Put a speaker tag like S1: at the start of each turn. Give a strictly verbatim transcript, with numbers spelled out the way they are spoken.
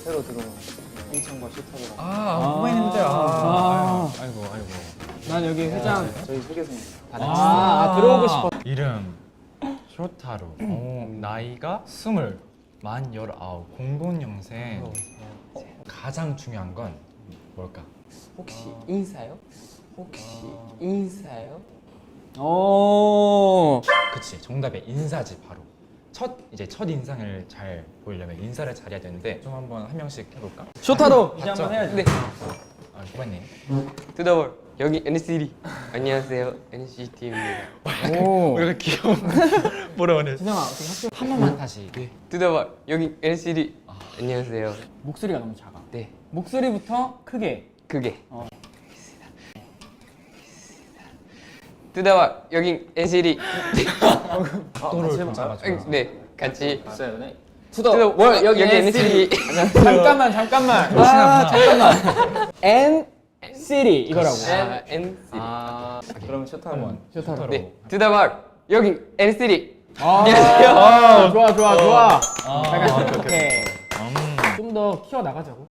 S1: 새로 들어온 인천과 쇼타고라고.
S2: 아, 후배님들. 아, 아, 아이고, 아이고.
S1: 난 여기 회장 저희 회계사입니다.
S2: 아,
S1: 아, 들어오고 싶어.
S2: 이름 쇼타로. 오, 나이가 스물, 만 열아홉, 공동영생. 가장 중요한 건 뭘까?
S3: 혹시 인사요? 혹시 인사요?
S1: 오.
S2: 그치, 정답의 인사지 바로. 첫 이제 첫 인상을 잘 보이려면 인사를 잘해야 되는데 좀 한번 한 명씩 해볼까?
S1: 쇼타로 이제
S2: 맞죠?
S1: 한번 해야지.
S3: 네.
S2: 아, 후배님.
S3: 투더볼 여기 엔시티. 안녕하세요 엔시티입니다.
S1: 오.
S2: 우리가 귀여운 뭐라 하네.
S1: 진영아 어떻게 학교
S2: 한 번만 다시.
S3: 네. 투더볼 여기 엔시티. 안녕하세요.
S1: 목소리가 너무 작아.
S3: 네.
S1: 목소리부터 크게.
S3: 그게.
S1: 어.
S3: 투더볼 여기 엔시티.
S2: 또를 좀 잡아줘.
S3: 네. 같이.
S1: 있어요, 네.
S3: 투더볼 여기 엔시티.
S1: 잠깐만 잠깐만. 아 잠깐만. N City 이거라고.
S3: 아 엔시티.
S1: 아 그러면 쇼타로.
S2: 한번
S1: 쇼타로.
S3: 네. 투더볼 여기 엔시티.
S1: 아,
S3: 안녕하세요.
S1: 아, 좋아 좋아 좋아.
S2: 아,
S1: 약간
S2: 오케이,
S1: 이렇게
S2: 음.
S1: 좀 더 키워 나가자고.